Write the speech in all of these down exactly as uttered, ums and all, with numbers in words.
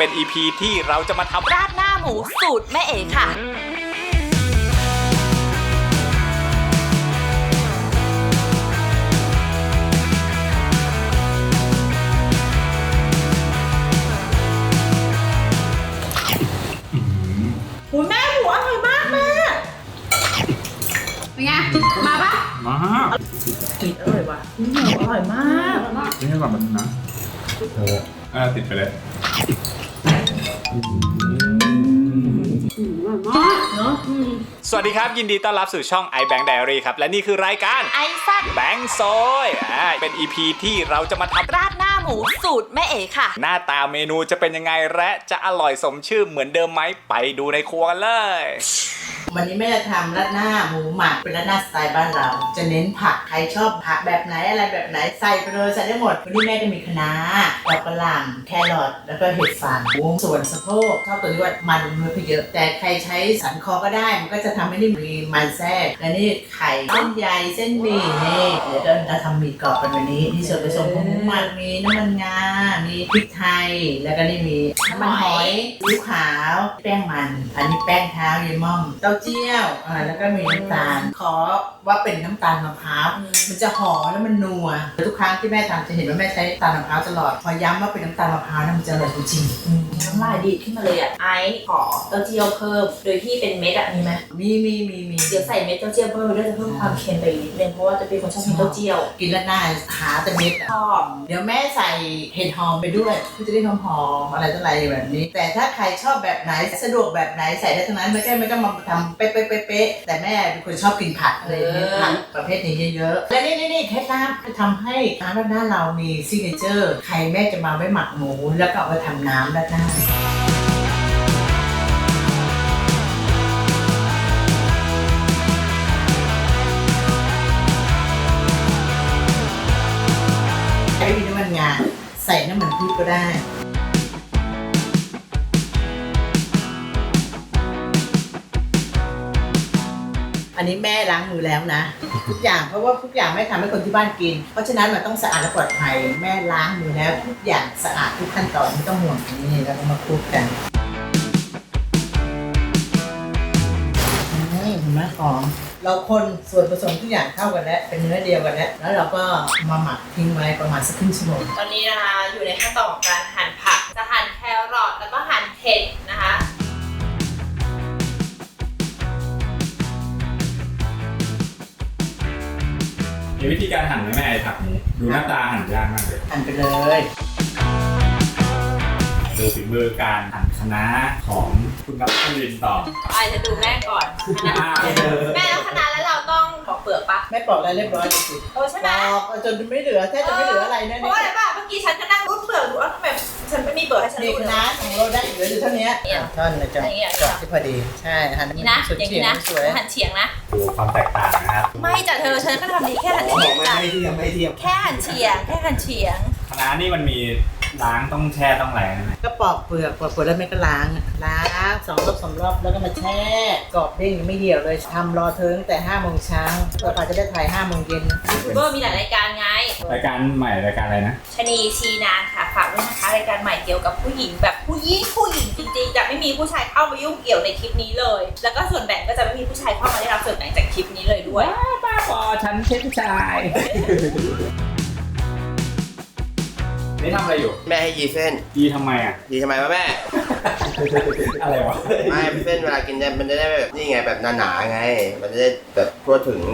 เป็น อี พี ที่เราจะมาทำราดหน้าหมูสูตรแม่เอ๋ค่ะหูแม่หมูอร่อยมากแม่เป็นไงมาปะมากินอร่อยว่ะหมูอร่อยมากนี่ให้ก่อนมันนะโอ้อ่าติดไปเลยเนาะสวัสดีครับยินดีต้อนรับสู่ช่อง iBank Diary ครับและนี่คือรายการไอซักแบงค์ซอยอ่าเป็น อี พี ที่เราจะมาทำราดหน้าหมูสูตรแม่เอ๋ค่ะหน้าตาเมนูจะเป็นยังไงและจะอร่อยสมชื่อเหมือนเดิมไหมไปดูในครัวกันเลยวันนี้แม่จะทำราดหน้าหมูหมักเป็นราดหน้าสไตล์บ้านเราจะเน้นผักใครชอบผักแบบไหนอะไรแบบไหนใส่ไปเลยใส่ได้หมดวันนี้แม่จะมีคะน้าดอกกระหล่ำแครอทแล้วก็เห็ดฟางส่วนสะโพกชอบตัวที่ว่ามันเนื้อเยอะแต่ใครใช้สันคอก็ได้มันก็จะทำให้นี่มีมันแทรกและนี่ไข่เส้นใยเส้นหมี่นี่เดี๋ยวเราทำหมี่กรอบกันวันนี้นี่ส่วนผสมของหมูหมักมีน้ำมันงา มีพริกไทยแล้วก็นี่มีน้ำมันหอยซีอิ๊วขาวแป้งมันอันนี้แป้งเท้าเยม่อมเต้าเจี้ยวอ่าแล้วก็มีน้ำตาลขอว่าเป็นน้ำตาลมะพร้าวมันจะหอมแล้วมันนัวทุกครั้งที่แม่ทำจะเห็นว่าแม่ใช้น้ำตาลมะพร้าวตลอดพอย้ำว่าเป็นน้ำตาลมะพร้าวมันจะอร่อยจริงน้ำลายดีดขึ้นมาเลยอ่ะไอซ์ขอเต้าเจี้ยวเพิ่มโดยที่เป็นเม็ดอ่ะมีไหมมีมีมีมีเดี๋ยวใส่เม็ดเต้าเจี้ยวเพิ่มด้วยจะเพิ่มความเค็มไปนิดนึงเพราะว่าจะเป็นคนชอบกินเต้าเจี้ยวกินแล้วหน้าหาแต่เม็ดชอบเดี๋ยวแม่ใส่เห็ดหอมไปด้วยเพื่อจะได้หอมหอมอะไรต่ออะไรแบบนี้แต่ถ้าใครชอบแบบไหนสะดวกแบบไหนใส่ได้ทั้งนั้นไม่ใช่ไม่ต้องมาทำเป๊ะเป๊ะเป๊ะแต่แม่เป็นคนชอบกินผักอะไรผักประเภทนี้เยอะๆและนี่นี่นี่เคล็ดลับจะทำให้น้ำราดหน้าเรามีซิกเนเจอร์ใครแม่จะมาไว้หมักหมูแล้วก็เอาไปทำน้ำราดหน้าใช้น้ำมันงาใส่น้ำมันพืชก็ได้อันนี้แม่ล้างมือแล้วนะทุกอย่างเพราะว่าทุกอย่างแม่ทำให้คนที่บ้านกินเพราะฉะนั้นมันต้องสะอาดและปลอดภัยแม่ล้างมือแล้วทุกอย่างสะอาดทุกขั้นตอนไม่ต้องห่วงนี่เรามาคลุกกันนี่เห็นไหมหอมเราคนส่วนผสมทุกอย่างเข้ากันแล้วเป็นเนื้อเดียวกันแล้วแล้วเราก็มาหมักทิ้งไว้ประมาณสักครึ่งชั่วโมงตอนนี้นะคะอยู่ในขั้นตอนของการหั่นผักจะหั่นแครอทแล้วก็หั่นเห็ดนะคะมีวิธีการหั่นไหมแม่ไอ้ผักนี้ดูหน้าตาหั่นยากมากเลยหั่นไปเลยดูฝีมือการหั่นคะน้าของคุณนัทลินต่อไอจะดูแม่ก่อนแม่แล้วคะน้าแล้วเราต้องปอกเปลือกปะแม่ปอกอะไรเรียบร้อยเลยสิโอ้ใช่ไหมปอกจนไม่เหลือแทบจะไม่เหลืออะไรนะเพราะอะไรป่ะเมื่อกี้ฉันก็นั่งรูดเปลือกดูว่าทำไมฉันไม่มีเปลือกให้ฉันรูดเลยนะของเราได้เหลืออยู่เท่านี้ท่อนนะจ๊ะจบที่พอดีใช่หั่นนี่นะอย่างนี้นะหั่นเฉียงนะดูความแตกต่างนะครับไม่จ้ะเธอฉันก็ทำดีแค่หั่นเฉียงจ้ะไม่เทียมไม่เทียมแค่หั่นเฉียงแค่หั่นเฉียงคะน้านี่มันมีล้างต้องแช่ต้องอะไรไหมก็ปอกเปลือกปอกเปลือกแล้วแม่ก็ล้างล้างสองรอบสองรอบแล้วก็มาแช่กรอบเด้งไม่เหี่ยวเลยทำรอเทิงแต่ห้าโมงเช้าเราอาจจะได้ถ่ายห้าโมงเย็นยูทูบเบอร์มีหลายรายการไงรายการใหม่รายการอะไรนะชนีชีนานค่ะฝากด้วยนะคะรายการใหม่เกี่ยวกับผู้หญิงแบบผู้หญิงผู้หญิงจริงๆจะไม่มีผู้ชายเข้ามายุ่งเกี่ยวในคลิปนี้เลยแล้วก็ส่วนแบ่งก็จะไม่มีผู้ชายเข้ามาได้รับส่วนแบ่งจากคลิปนี้เลยด้วยบ้าบอฉันใช่ผู้ชายนี่ทำอะไรอยู่แม่ให้ยีเส้นยีทำไมอ่ะยีทำไมวะแม่อะไรวะไม่เส้นเวลากินมันจะได้แบบนี่ไงแบบหนาๆไงมันจะได้แบบทั่วถึง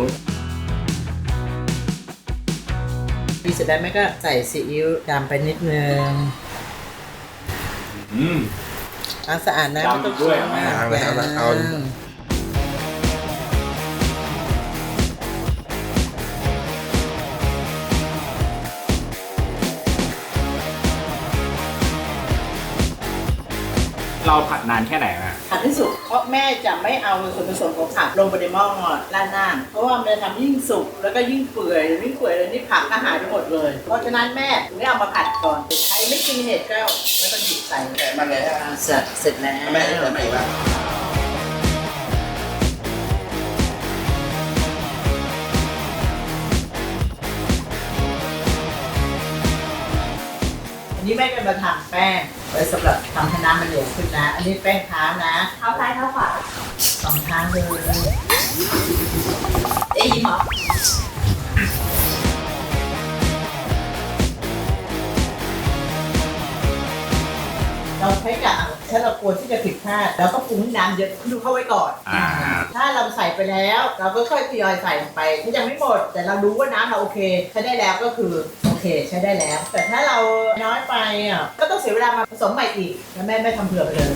มีเสร็จแล้วแม่ก็ใส่ซีอิ๊วดำไปนิดนึงอืมล้างสะอาดนะไม่ต้องด้วยแม่เอาเอาเราผัดนานแค่ไหนอ่ะผัดให้สุกเพราะแม่จะไม่เอาส่วนผสมของผักลงไปในหม้อราดหน้าเพราะว่ามันจะทำยิ่งสุกแล้วก็ยิ่งเปื่อยยิ่งเปื่อยเลยนี่ผักก็หายไปหมดเลยเพราะฉะนั้นแม่ถึงได้เอามาผัดก่อนใครไม่กินเห็ดก็ไม่ต้องหยิบใส่แต่มันเลยเสร็จเสร็จแล้วแม่ได้ไหมวะน นี้นี้แม่ก็มาทำแป้งไว้สำหรับทำให้น้ำมันเหลวขึ้นนะ อันนี้แป้งเท้านะเท้าซ้ายเท้าขวาสองเท้าเลยเอ๊ยยิ้มเหรอเราใช้กะถ้าเรากลัวที่จะผิดพลาดเราก็ปรุงให้น้ำเยอะขึ้นเข้าไว้ก่อนอ่าถ้าเราใส่ไปแล้ว เราก็ค่อยทยอยใส่ลงไปถ้ายังไม่หมด แต่เรารู้ว่าน้ำเราโอเคใช้ได้แล้วก็คือโอเคใช้ได้แล้ว แต่ถ้าเราน้อยไปอ่ะก็ต้องเสียเวลามาผสมใหม่อีกแล้วแม่ไม่ทำเผื่อไปเลย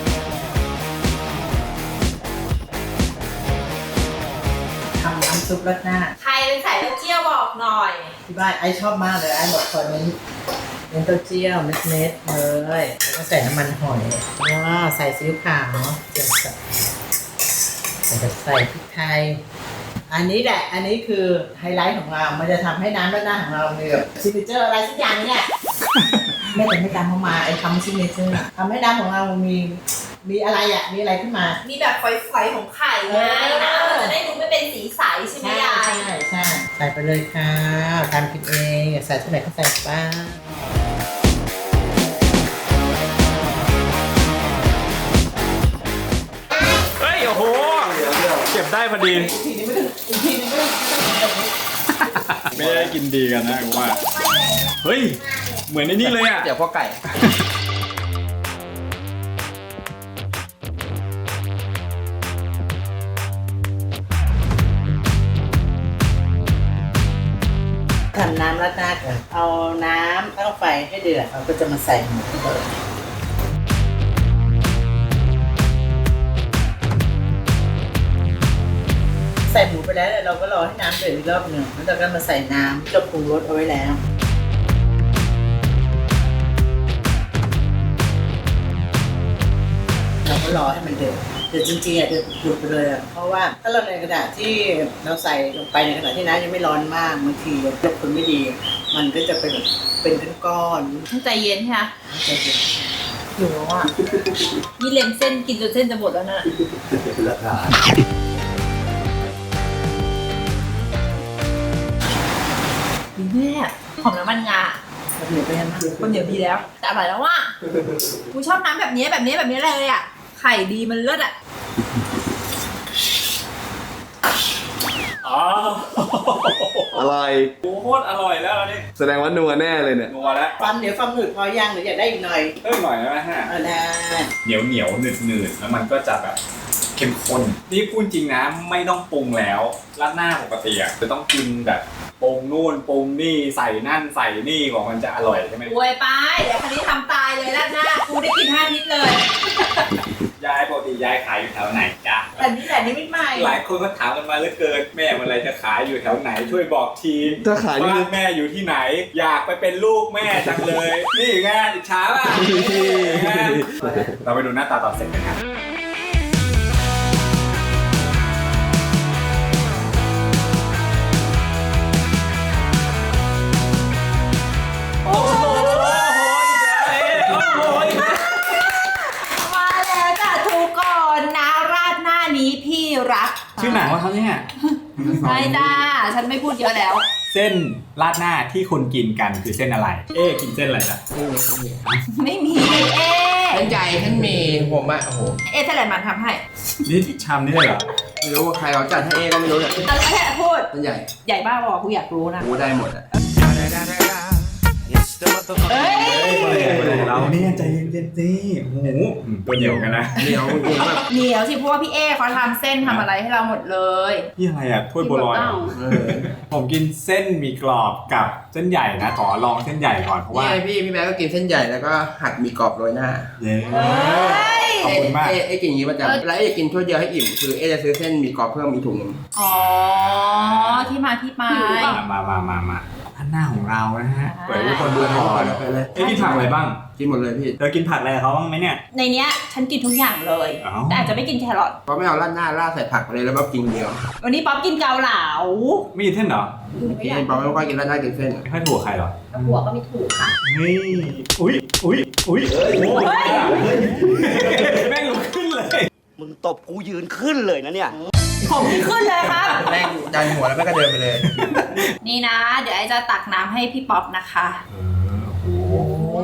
ทำน้ำซุปราดหน้าใครเป็นสายเต้าเจี้ยวบอกหน่อยที่บ้านไอชอบมากเลยไอบอกตอนนี้เน้นเต้าเจี้ยวเม็ดๆเลยแล้วก็ใส่น้ำมันหอยว้าวใส่ซีอิ๊วขาวเจียวใส่แล้วก็ใส่พริกไทย อันนี้แหละ อันนี้คือไฮไลท์ของเรา มันจะทำให้น้ำราดหน้าของเรามีแบบซิกเนเจอร์อะไรสักอย่างเนี่ย แม่แต่ไม่ตามเขามาไอ้ทำซิกเนเจอร์ทำให้น้ำของเรามี มีอะไรอ่ะ มีอะไรขึ้นมามีแบบฝอยๆของไข่ไงนะมันจะได้ดูไม่เป็นสีใสใช่ไหมใช่ยายใช่ใช่ใส่ไปเลยค่ะทำกินเองอยากใส่เท่าไหร่ก็ใส่ไปเฮ้ย โอ้โห เก็บได้พอดีทีนี้ไม่ต้องอีกทีนึงไม่ต้องไม่ต้องแบบนี้ไม่ได้กินดีกันนะกูว่า เฮ้ย เหมือนในนี่เลยอ่ะเดี๋ยวพ่อไก่ทำน้ำราดหน้าก่อนเอาน้ำตั้งไฟให้เดือดเราก็จะมาใส่หมูเลยใส่หมูไปแล้วเราก็รอให้น้ำเดือดอีกรอบหนึ่งแล้วเราก็มาใส่น้ำที่เราปรุงรสเอาไว้แล้วเราก็รอให้มันเดือดเดือดจริงๆอ่ะเดือดปุดๆไปเลยอ่ะเพราะว่าถ้าเราในขณะที่เราใส่ลงไปในขณะที่น้ำยังไม่ร้อนมากบางทีเราควบคุมไม่ดี มันก็จะเป็นแบบเป็นก้อนๆใจเย็นใช่ไหมใจเย็นอยู่แล้วอ่ะนี่เล็มเส้นกินจนเส้นจะหมดแล้วนะราคาดีแม่หอมน้ำมันงาเดี๋ยวไปยังคนเดี๋ยวดีแล้ว แต่อร่อยแล้วว่ะกูชอบน้ำแบบนี้แบบนี้แบบนี้เลยอ่ะ ไข่ดีมันเลิศอ่ะอ๋ออร่อยโอ้โหโคตรอร่อยแล้วอันนี้แสดงว่านัวแน่เลยเนี่ยนัวแล้วความเหนียวความหนืดพอย่างหรืออยากได้อีกหน่อยเพิ่มหน่อยได้ไหมฮะเอาได้เหนียวเหนียวหนืดหนืดแล้วมันก็จะแบบเข้มข้น นี่พูดจริงนะไม่ต้องปรุงแล้วราดหน้าปกติอ่ะจะต้องกินแบบปรุงนู่นปรุงนี่ใส่นั่นใส่นี่ของมันจะอร่อยใช่ไหมอวยไป เดี๋ยวคันนี้ทำตายเลยแล้วหน้ากูได้กินห้าทิศเลยยายปกติยายขายอยู่แถวไหนจ๊ะแต่นี่แต่นี่ไม่ใหม่หลายคนก็ถามกันมาเหลือเกินแม่เมื่อไรจะขายอยู่แถวไหนช่วยบอกทีถ้าขายนี่บ้านแม่อยู่ที่ไหน อยากไปเป็นลูกแม่จังเลย นี่ไงอิจฉาป่ะนี่ไงเราไปดูหน้าตาตอนเสร็จกันครับ โอ้โหโอ้โหมาแล้วจ้ะทุกคนนะราดหน้านี้พี่รักชื่อหนังว่าเขาเนี่ยใช่จ้า ฉันไม่พูดเยอะแล้วเส้นราดหน้าที่คนกินกันคือเส้นอะไร เอ๊ะกินเส้นอะไรล่ะไม่มีเอ๊ท่านใหญ่ท่านเมย์ผมอะโอ้โหเอ๊ะเท่าไหร่มันทำให้นี่ชามนี่เลยเหรอไม่รู้ว่าใครเขาจัดให้เอก็ไม่รู้เนี่ยเอาแล้วแค่พูดท่านใหญ่ใหญ่บ้าบอกกูอยากรู้นะรู้ได้หมดอะเอ้ยเราเนี่ยใจเย็นๆสิโอ้โหตัวเหนียวกันนะเดี๋ยวเดี๋ยวแบบเหนียวสิเพราะว่าพี่เอ๊เขาทำเส้นทำอะไรให้เราหมดเลยนี่อะไรอ่ะถ้วยบัวลอยเหรอเออผมกินเส้นหมีกรอบกับเส้นใหญ่นะขอลองเส้นใหญ่ก่อนเพราะนี่ว่าไงพี่พี่แบ๊ก็กินเส้นใหญ่แล้วก็หักหมีกรอบโรยหน้าเย้เฮ้ยขอบคุณมากเอ๊ะเอ๊ะกินอย่างนี้ประจำเวลาเอ๊ะกินถ้วยเดียวให้อิ่มคือเอ๊ะจะซื้อเส้นหมีกรอบเพิ่มมีถุงหนึงอ๋อ ที่มาที่ไปมามามามาอันหน้าของเรานะฮะอ่าเปิดให้ทุกคนดูไปก่อนเลยไปเลยเอ๊ะกินผักอะไรบ้างกินหมดเลยพี่เธอกินผักอะไรกับเขาบ้างไหมเนี่ยในเนี้ยฉันกินทุกอย่างเลยอ้าวแต่อาจจะไม่กินแครอทเพราะไม่เอาราดหน้าราดใส่ผักไปเลยแล้วก็กินเดียววันนี้ป๊อปกินเกาเหลาไม่กินเส้นเหรอกินบอกไม่ค่อยกินราดหน้ากินเส้นไม่ค่อยถูกใครเหรอหัวก็ไม่ถูกค่ะนี่อุ้ยอุ้ยอุ้ยโอ้โหเฮ้ยแม่งลุกขึ้นเลยมึงตบกูยืนขึ้นเลยนะเนี่ยผมที่ขึ้นเลยครับแม่งดันหัวแล้วแม่ก็เดินไปเลยนี่นะ เดี๋ยวไอจะตักน้ำให้พี่ป๊อปนะคะเออโอ้โห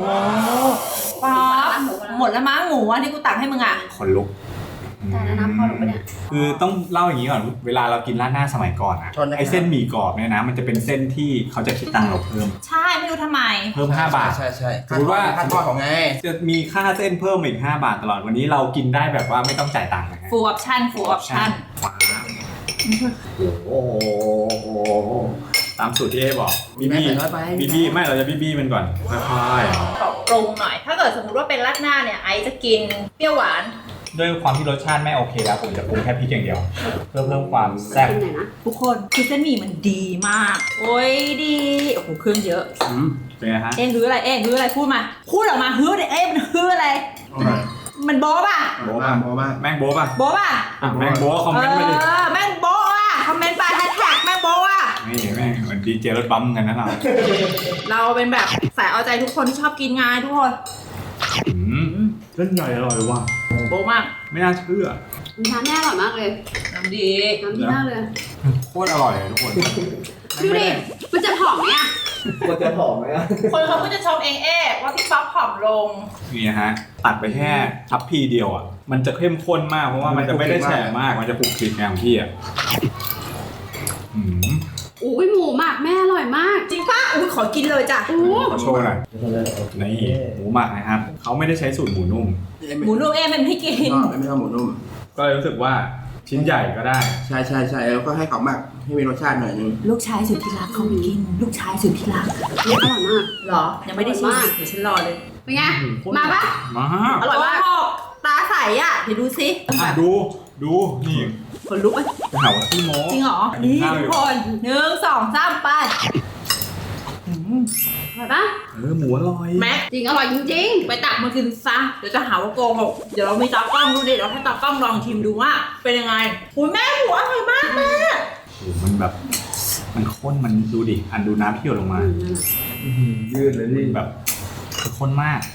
ป๊อปหมดแล้วมั้งหมูอ่ะที่กูตักให้มึงอ่ะคนลุกแต่แล้วน้ำพอหนูปะเนี่ยคือต้องเล่าอย่างนี้ก่อนเวลาเรากินราดหน้าสมัยก่อนอะชนนะครับไอเส้นหมี่กรอบเนี่ยนะมันจะเป็นเส้นที่เขาจะคิดตังค์เราเพิ่มใช่ไม่รู้ทำไมเพิ่มห้าบาทใช่ใช่สมมติว่าค่าทอดของไงจะมีค่าเส้นเพิ่มอีกห้าบาทตลอดวันนี้เรากินได้แบบว่าไม่ต้องจ่ายตังค์นะฮะ full option full option ว้าวโอ้โหตามสูตรที่เอบอกบีบี้ใส่น้อยไปบีบี้ไม่เราจะบีบี้มันก่อนค่อยขอปรุงหน่อย ถ้าเกิดสมมติว่าเป็นราดหน้าเนี่ยไอซ์จะกินเปรี้ยวหวานๆด้วยความที่รสชาติไม่โอเคแล้วผมจะปรุงแค่พริกอย่างเดียว เพื่อเพิ่มความแซ่บเป็นไหนนะทุกคนคือเส้นหมี่มันดีมาก โอ้ยดีโอ้โหเครื่องเยอะอืมเป็นไงฮะเอ๊ะฮืออะไรเอ๊ะฮืออะไรพูดมาพูดออกมาฮือเลยเอ๊ะมันฮืออะไร มันโบ๊ะป่ะโบ๊ะป่ะโบ๊ะมากแม่งโบ๊ะป่ะโบ๊ะป่ะอ่ะแม่งโบ๊ะคอมเมนต์มาดิเออแม่งโบ๊ะอ่ะคอมเมนต์ไปแฮชแท็กแม่งโบ๊ะอ่ะนี่แม่งเหมือนดีเจรถบัมกันนะเราเราเป็นแบบสายเอาใจทุกคนที่ชอบกินไงทุกคนอืมเส้นใหญ่อร่อยว่ะโบ๊ะมากไม่น่าเชื่อน้ำแน่อร่อยมากเลยน้ำดีน้ำดีมากเลยโคตรอร่อยเลยทุกคนดูดิ มันจะหอมไหมอ่ะมันจะหอมไหมอ่ะคนเขาก็จะชมเองเอ๊ะว่าพี่ป๊อปผอมลงนี่นะฮะตัดไปแค่ทัพพีเดียวอ่ะมันจะเข้มข้นมากเพราะว่ามันจะไม่ได้แฉะมากมันจะปลุกคลิกไงของพี่อ่ะอืมอุ้ยหมูหมักแม่อร่อยมากจริงป่ะอุ้ยขอกินเลยจ้ะอู้ขอโชว์หน่อยนี่หมูหมักนะครับเขาไม่ได้ใช้สูตรหมูนุ่มหมูนุ่มเอ๊ะมันไม่กินชอบไม่ชอบหมูนุ่มก็เลยรู้สึกว่าชิ้นใหญ่ก็ได้ใช่ใช่ใช่แล้วก็ให้เขาหมักให้มีรสชาติหน่อยนึงลูกชายสุดที่รักเขาไม่กิน ลูกชายสุดที่รักอร่อยมากหรอ ยังไม่ได้ชิมอร่อยมากเดี๋ยวฉันรอเลยเป็นไง มาปะมาอร่อยมากตาใสอ่ะ เดี๋ยวดูสิอ่ะดูดูนี่คนลุกไหมจะหาว่าขี้โม้จริงเหรอ นี่ทุกคนหนึ่งสองสามไปอร่อยปะเออหมูอร่อยแม็กจริงอร่อยจริงไปตักมากินซะ เดี๋ยวจะหาว่าโกหกเดี๋ยวเรามีตากล้องดูดิเดี๋ยวให้ตากล้องลองชิมดูว่า เป็นยังไงหูยแม่หมูอร่อยมากแม่โอ้โหมันแบบ มันข้นมันดูดิอันดูน้ำที่หยดลงๆมาอืมยืดเลยพี่แบบคือข้นมาก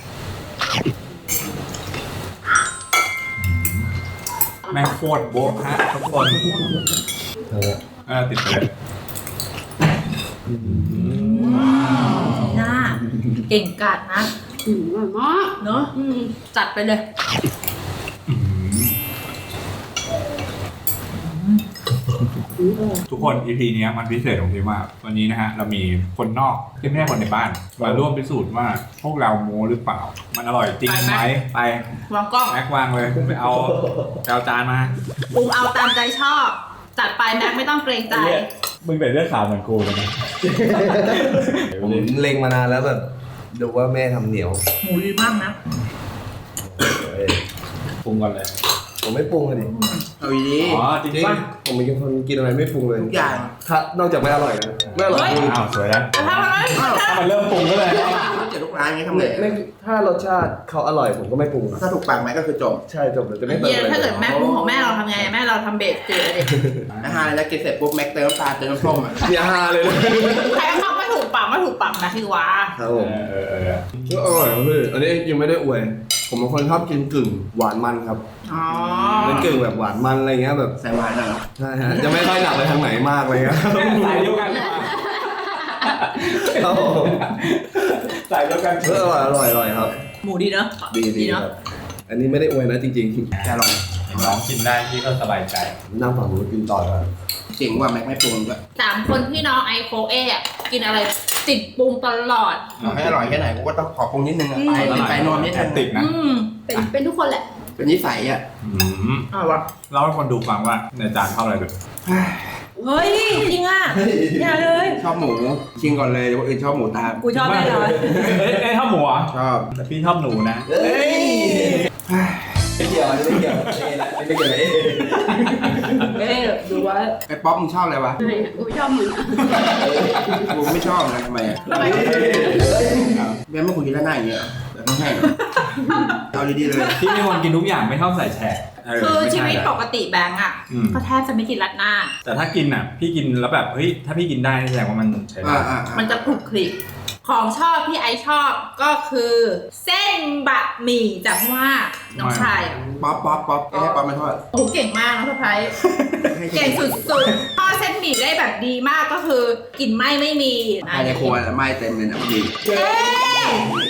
แม่งโคตรโบ๊ะฮะทุกคนเออติดไปเลยหน้าเก่งกาจนะอืมอร่อยมากเนอะอืมจัดไปเลยอืมทุกคน อี พี นี้มันพิเศษตรงที่ว่าวันนี้นะฮะเรามีคนนอกที่ไม่ใช่คนในบ้านมาร่วมพิสูจน์ว่าพวกเราโม้หรือเปล่า มันอร่อยจริงไหมไปวางกล้องแม็กวางเลยไปเอาไปเอาจานมาปรุงเอาตามใจชอบ จัดไปแม็กไม่ต้องเกรงใจมึงแต่เรื่องข่าวเหมือนกูเลยนะผมเล็งมานานแล้วแบบดูว่าแม่ทำเหนียวหมูดีมากนะเอ้ยปรุงก่อนเลยผมไม่ปรุงเลยดิเอาดีอ๋อจริงป่ะผมเป็นคนกินอะไรไม่ปรุงเลยทุกอย่างถ้านอกจากไม่อร่อยนะไม่อร่อยเฮ้ยคืออ้าวสวยแล้วแต่ถ้ามันไม่ถ้ามันเริ่มปรุงก็เลยเจ็ดทุกร้านงี้ทำไงไม่ไม่ถ้ารสชาติเขาอร่อยผมก็ไม่ปรุงถ้าถูกปากไหมก็คือจบใช่จบเลยจะไม่เติมเย็นอะไรถ้าเกิดแม่ปรุงของแม่เราทำไงแม่เราทำเบสเกลือดินะฮะแล้วกินเสร็จปุ๊บแม็กเติมน้ำตาลเติมน้ำส้มอ่ะอย่าฮาเลยนะใครเขาไม่ถูกปากไม่ถูกปากนะคือว่าครับเอผมอเออเออก็อร่อยครับพี่อันนี้ยังไม่ได้อวย ผมเป็นคนชอบกินกึ่งหวานมันครับอ๋อเป็นกึ่งแบบหวานมันอะไรเงี้ยแบบใส่หวานน่ะเหรอใช่ฮะจะไม่ค่อยหนักไปทางไหนมากเลยครับสายเดียวกันดีกว่าครับผมสายเดียวกันเอออร่อยอร่อยอร่อยครับหมูดีเนอะดีดีคเนอะรับอันนี้ไม่ได้อวยนะจริงจะลองน้องกินได้พี่ก็สบายใจๆนั่งฝั่งนู้นกินต่อครับเจ๋งว่าแม็กไม่ปรุงด้วยสามคนพี่น้องไอโคเอะกินอะไรติดปรุงตลอดเอาให้อร่อยแค่ไหนกูก็ต้องขอปรุงนิดนึงอ่ะไปเป็นไปนวมนิดแอนึดงติกนะอืมเป็นเป็นทุกคนแหละเป็นนิสัยอ่ะอืมอร่อยวะเล่าให้คนดูฟังว่าในจานเข้าอะไรดูเฮ้ยจริงอ่ะอย่าเลยชอบหมูชิงก่อนเลยคนอื่นชอบหมูตามกูชอบแน่นอนเอ้ยเอ้ยชอบหมูเหรอชอบแต่พี่ชอบหนูนะเฮ้ยไม่เกี่ยวไม่เกี่ยวไม่เกี่ยวเอ๊ะเอ้ยดูไว้ไอ้ป๊อปมึงชอบอะไรวะไม่กูชอบมึงอะกูไม่ชอบนะทำไมอ่ะแม่ไม่คุยกันแล้วหน้าอย่างเงี้ยเหรอแต่ต้องให้เหรอเอาดีๆเลยพี่เป็นคนกินทุกอย่างไม่ชอบใส่แฉะเคือไม่ชีใวิตปกติแบงก์อ่ะอืมก็แทบจะไม่กินรัดหน้าแต่ถ้ากินอ่ะ พี่กินแล้วแบบเฮ้ยถ้าพี่กินได้นี่แสดงว่ามันใช้ได้อ่าอ่ามันจะคลุกคลิกของชอบที่ไอชอบก็คือ เส้นบะหมี่จากว่าน้องชายอ่ะป๊อปป๊อปป๊อปให้ป๊อปมาทอดโอ้โหเก่งมากน้องสะพ้ายเก่งสุดๆทอดเส้นหมี่ได้แบบดีมากก็คือกลิ่นไหม้ไม่มีภายในครัวไหม้เต็มเลยนะพอดีเอ๊ะ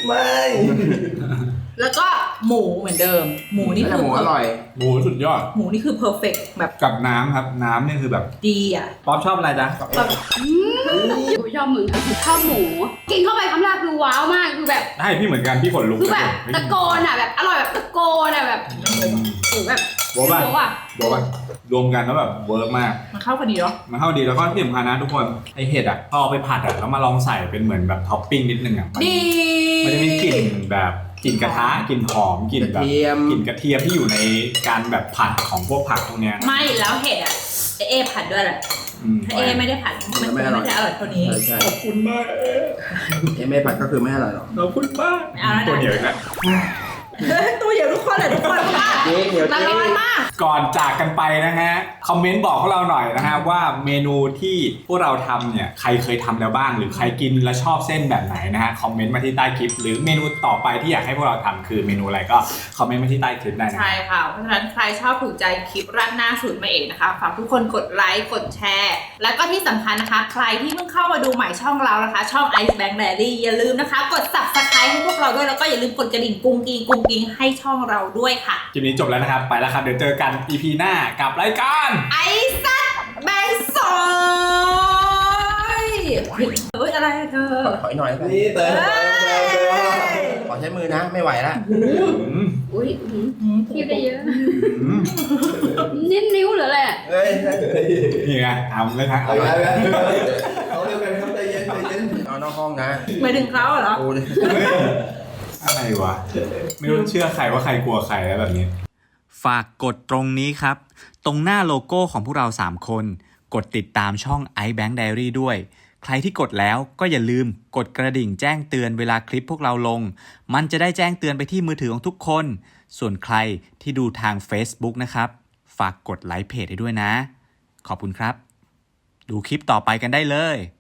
ไม่แล้วก็หมูเหมือนเดิม หมูนี่แต่คือหมูอร่อยหมูสุดยอดหมูนี่คือเพอร์เฟกแบบกับน้ำครับน้ำนี่คือแบบดีอ่ะป๊อปชอบอะไรจ๊ะแบบกูชอบมึงชอบหมู กินเข้าไปคำแรกคือว้าวมากคือแบบได้พี่เหมือนกันพี่ขนลุกคือแบบตะโกนอ่ะแบบอร่อยแบบตะโกนอ่ะแบบโอ้แบบบอกว่าโอ้อ่ะบอกว่ารวมกันแล้วแบบเวิร์กมากมันเข้ากันดีเนาะมันเข้าดีแล้วก็ที่สำคัญนะทุกคนไอเห็ดอ่ะพอเอาไปผัดอ่ะแล้วมาลองใส่เป็นเหมือนแบบท็อปปิ้งนิดนึงอ่ะมันดีมันจะมีกลิ่นแบบกลิ่นกระทะกลิ่นหอมกลิ่นกระแบบเทียมกลิ่นกระเทียมที่อยู่ในการแบบผัดของพวกผักพวกเนี้ยนะไม่แล้วเห็ดอ่ะเอเอผัดด้วยแหละอืมถ้าเอไม่ได้ผัดมันไม่ได้อร่อยเท่านี้ใช่ใช่ขอบคุณมากเอ็มไม่ผัดก็คือไม่อร่อยหรอกขอบคุณมากเอาละนะตัวเหนียวอีกแล้วตัวเดียวทุกคนเลยทุกคนมากจริงเดี๋ยวจละริร้อนงมากก่อนจากกันไปนะฮะคอมเมนต์บอกพวกเราหน่อยนะฮะว่าเมนูที่พวกเราทำเนี่ยใครเคยทำแล้วบ้างหรือใครกินแล้วชอบเส้นแบบไหนนะฮะคอมเมนต์มาที่ใต้คลิปหรือเมนูต่อไปที่อยากให้พวกเราทำคือเมนูอะไรก็คอมเมนต์มาที่ใต้คลิปได้นะใช่ค่ะ เพราะฉะนั้นใครชอบถูกใจคลิปราดหน้าสูตรมาเอกนะคะฝากทุกคนกดไลค์กดแชร์ แล้วก็ที่สำคัญนะคะ ใครที่เพิ่งเข้ามาดูใหม่ช่องเรานะคะ ช่อง Ice Bank Diary อย่าลืมนะคะ กด Subscribe ให้พวกเราด้วยแล้วก็อย่าลืมกดกระดิ่งกุ้งกิ้งกุ้งกิ้งให้ช่องเราด้วยค่ะคลิปนี้จบแล้วนะครับไปแล้วครับเดี๋ยวเจอกัน อี พี หน้ากับรายการไอ้สัตว์แบงซอยเฮ้ยอะไรอะเธอถอยหน่อยแล้วกันนี่เติมเติมเติมเติมขอใช้มือนะไม่ไหวละอืมอุ้ยอื้อหือคิดได้เยอะอืมนิ้นนิ้วหรืออะไรอะเฮ้ยนี่ไงทำเลยทั้งเอาเอาไปไปเอาเร็วกันครับใจเย็นใจเย็นเอานอกห้องนะหมายถึงเขาเหรอโอ้ยอะไรวะไม่รู้เชื่อใครว่าใครกลัวใครแล้วแบบนี้ ฝากกดตรงนี้ครับ ตรงหน้าโลโก้ของพวกเราสามคน กดติดตามช่อง Ice Bank Diary ด้วย ใครที่กดแล้วก็อย่าลืมกดกระดิ่งแจ้งเตือนเวลาคลิปพวกเราลง มันจะได้แจ้งเตือนไปที่มือถือของทุกคน ส่วนใครที่ดูทาง Facebook นะครับ ฝากกดไลค์เพจให้ด้วยนะ ขอบคุณครับ ดูคลิปต่อไปกันได้เลย